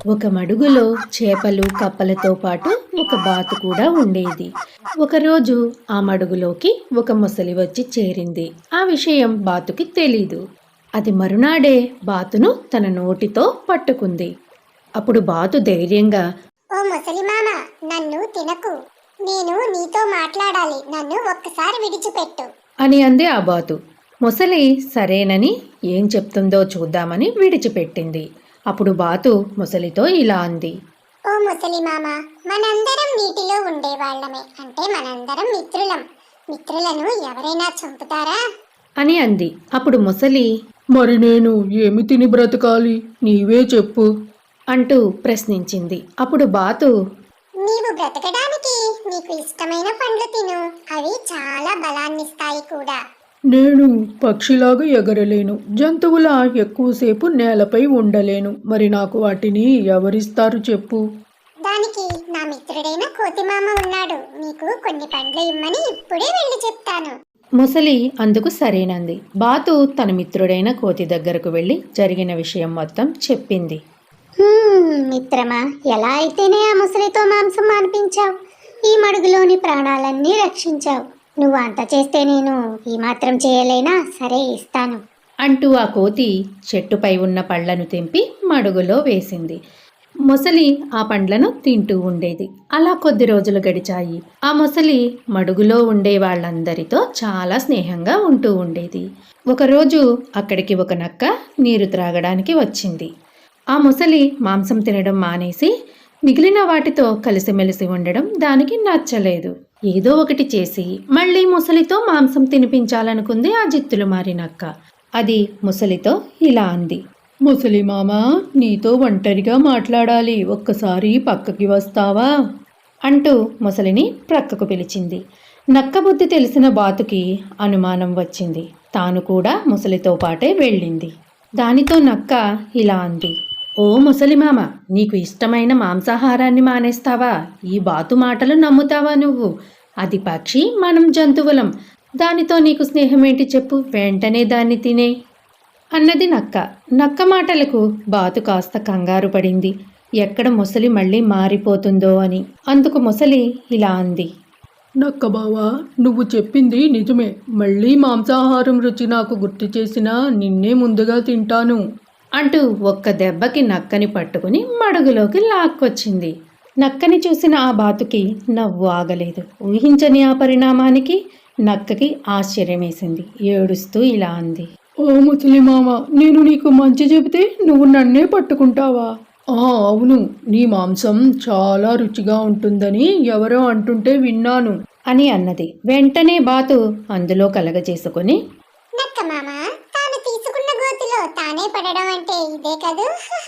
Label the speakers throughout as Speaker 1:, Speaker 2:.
Speaker 1: ఒక మడుగులో చేపలు కప్పలతో పాటు ఒక బాతు కూడా ఉండేది. ఒకరోజు ఆ మడుగులోకి ఒక మొసలి వచ్చి చేరింది. ఆ విషయం బాతుకి తెలీదు. అది మరునాడే బాతును తన నోటితో పట్టుకుంది. అప్పుడు బాతు ధైర్యంగా,
Speaker 2: ఓ ముసలి మామ, నన్ను తినకు. నేను నీతో మాట్లాడాలి. నన్ను ఒక్కసారి విడిచిపెట్టు
Speaker 1: అని అంది ఆ బాతు. మొసలి సరేనని ఏం చెప్తుందో చూద్దామని విడిచిపెట్టింది. అప్పుడు బాతు మొసలితో ఇలా అంది.
Speaker 2: ఓ ముసలి మామ, మనందరం నీటిలో ఉండేవాళ్లమే. అంటే మనందరం మిత్రులం. మిత్రులను ఎవరైనా చంపుతారా
Speaker 1: అని అంది. అప్పుడు మొసలి,
Speaker 3: మరి నేను ఏమి తిని బ్రతకాలి, నీవే చెప్పు
Speaker 1: అంటూ ప్రశ్నించింది. అప్పుడు బాతు,
Speaker 2: నీవు బ్రతకడానికి నీకు ఇష్టమైన పండ్లు తిను. అవి చాలా బలాన్నిస్తాయి కూడా.
Speaker 3: నేను పక్షిలాగా ఎగరలేను, జంతువులా ఎక్కువసేపు నేలపై ఉండలేను. మరి నాకు వాటిని ఎవరిస్తారు చెప్పు.
Speaker 2: దానికి నా మిత్రుడైన కోతిమామ ఉన్నాడు. నీకు కొన్ని పండ్లు ఇమ్మని ఇప్పుడే వెళ్ళి చెప్తాను.
Speaker 1: మొసలి అందుకు సరేనంది. బాతు తన మిత్రుడైన కోతి దగ్గరకు వెళ్ళి జరిగిన విషయం మొత్తం చెప్పింది.
Speaker 2: మిత్రమా, ఎలా అయితేనే ఆ ముసలితో మాంసం మాన్పించావు. ఈ మడుగులోని ప్రాణాలన్నీ రక్షించావు. నువ్వు అంత చేస్తే నేను ఈ మాత్రం చేయలేనా? సరే, ఇస్తాను
Speaker 1: అంటూ ఆ కోతి చెట్టుపై ఉన్న పళ్లను తెంపి మడుగులో వేసింది. మొసలి ఆ పండ్లను తింటూ ఉండేది. అలా కొద్ది రోజులు గడిచాయి. ఆ మొసలి మడుగులో ఉండే వాళ్ళందరితో చాలా స్నేహంగా ఉంటూ ఉండేది. ఒకరోజు అక్కడికి ఒక నక్క నీరు త్రాగడానికి వచ్చింది. ఆ మొసలి మాంసం తినడం మానేసి మిగిలిన వాటితో కలిసిమెలిసి ఉండడం దానికి నచ్చలేదు. ఏదో ఒకటి చేసి మళ్ళీ మొసలితో మాంసం తినిపించాలనుకుంది ఆ జిత్తులు మారి నక్క. అది మొసలితో ఇలా అంది.
Speaker 3: ముసలి మామ, నీతో ఒంటరిగా మాట్లాడాలి. ఒక్కసారి పక్కకి వస్తావా
Speaker 1: అంటూ మొసలిని ప్రక్కకు పిలిచింది. నక్క బుద్ధి తెలిసిన బాతుకి అనుమానం వచ్చింది. తాను కూడా మొసలితో పాటే వెళ్ళింది. దానితో నక్క ఇలా అంది. ఓ ముసలిమామ, నీకు ఇష్టమైన మాంసాహారాన్ని మానేస్తావా? ఈ బాతు మాటలు నమ్ముతావా నువ్వు? అది పక్షి, మనం జంతువులం. దానితో నీకు స్నేహమేంటి చెప్పు? వెంటనే దాన్ని తినే అన్నది నక్క. నక్క మాటలకు బాతు కాస్త కంగారు పడింది. ఎక్కడ మొసలి మళ్ళీ మారిపోతుందో అని. అందుకు మొసలి ఇలా అంది.
Speaker 3: నక్క బావా, నువ్వు చెప్పింది నిజమే. మళ్ళీ మాంసాహారం రుచి నాకు గుర్తు చేసినా నిన్నే ముందుగా తింటాను
Speaker 1: అంటూ ఒక్క దెబ్బకి నక్కని పట్టుకుని మడుగులోకి లాక్కొచ్చింది. నక్కని చూసిన ఆ బాతుకి నవ్వు ఆగలేదు. ఊహించని ఆ పరిణామానికి నక్కకి ఆశ్చర్యమేసింది. ఏడుస్తూ ఇలా అంది.
Speaker 3: ఓ ముసలి మామ, నేను నీకు మంచి చెబితే నువ్వు నన్నే పట్టుకుంటావా? అవును, నీ మాంసం చాలా రుచిగా ఉంటుందని ఎవరో అంటుంటే విన్నాను
Speaker 1: అని అన్నది. వెంటనే బాతు అందులో కలగజేసుకుని,
Speaker 2: నక్క మామ, తాను తీసుకున్న గోతిలో తానే పడడం అంటే ఇదే కదూ.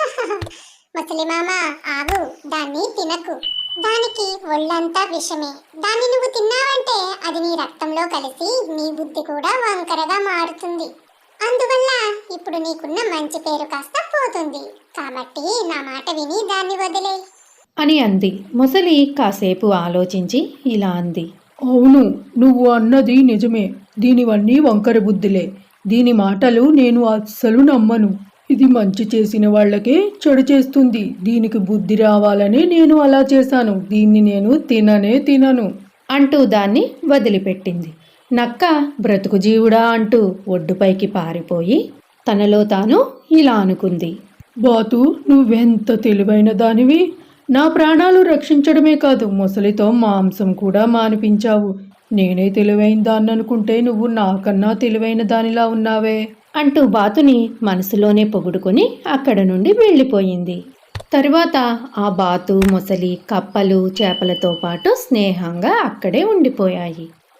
Speaker 2: ముసలి మామ, ఆగు, దాన్ని తినకు. దానికి ఒళ్ళంతా విషమే. దాన్ని నువ్వు తిన్నావంటే అది నీ రక్తంలో కలిసి నీ బుద్ధి కూడా వంకరగా మారుతుంది. అందువల్ల ఇప్పుడు నీకున్న మంచి పేరు కాస్త పోతుంది. కాబట్టి నా మాట విని దాన్ని వదిలే
Speaker 1: అని అంది. మొసలి కాసేపు ఆలోచించి ఇలా అంది.
Speaker 3: అవును, నువ్వు అన్నది నిజమే. దీనివన్నీ వంకర బుద్ధిలే. దీని మాటలు నేను అస్సలు నమ్మను. ఇది మంచి చేసిన వాళ్ళకే చెడు చేస్తుంది. దీనికి బుద్ధి రావాలని నేను అలా చేశాను. దీన్ని నేను తినను
Speaker 1: అంటూ దాన్ని వదిలిపెట్టింది. నక్క బ్రతుకు జీవుడా అంటూ ఒడ్డుపైకి పారిపోయి తనలో తాను ఇలా అనుకుంది.
Speaker 3: బాతు, నువ్వెంత తెలివైన దానివి. నా ప్రాణాలు రక్షించడమే కాదు, మొసలితో మాంసం కూడా మానిపించావు. నేనే తెలివైన దాన్ని అనుకుంటే నువ్వు నాకన్నా తెలివైన దానిలా ఉన్నావే
Speaker 1: అంటూ బాతుని మనసులోనే పొగుడుకొని అక్కడ నుండి వెళ్ళిపోయింది. తరువాత ఆ బాతు, మొసలి, కప్పలు, చేపలతో పాటు స్నేహంగా అక్కడే ఉండిపోయాయి.